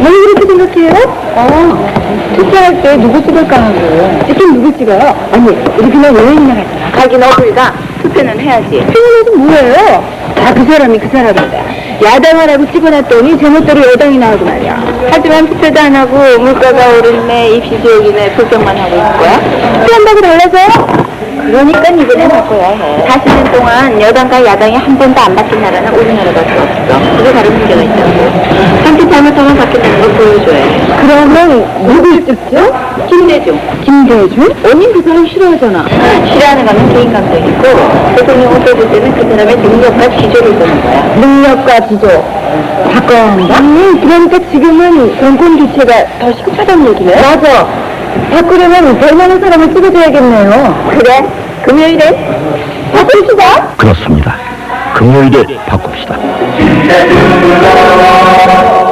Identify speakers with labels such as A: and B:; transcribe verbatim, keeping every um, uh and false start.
A: 왜 그렇게 생각해요? 어, 투표할 때 누구 찍을까 하고. 찍긴 누구 찍어요? 아니, 우리 그냥 여행이나 갔잖아. 가긴 어딜가 투표는 해야지. 투표는 뭐예요? 다 그 사람이 그 사람이다. 야당하라고 찍어놨더니 제멋대로 여당이 나오고 말이야. 하지만 투표도 안 하고 물가가 오르네, 입시 지옥이네, 불평만 하고 있을 거야? 투표한다고 달라서? 그러니까 이번에 바꿔야 해. 사십 년 동안 여당과 야당이 한 번도 안 바뀐 나라는 우리나라밖에 없어. 그게 바로 문제가 있다고. 한테 잘못하면 바뀐다는 걸 보여줘야 해. 그러면 누굴 찍죠? 김대중. 김대중? 언니 그 사람 싫어하잖아. 싫어하는 거는 개인 감정이고 대통령을 뽑을 때는 그 사람의 능력과 지조를 보는 거야. 능력과 지조. 바꿔야 한다? 음, 그러니까 지금은 정권 교체가 더 시급하다는 얘기네. 맞아. 바꾸려면 될 만한 사람을 찍어줘야겠네요. 그래? 금요일에 바꿉시다.
B: 그렇습니다. 금요일에 바꿉시다.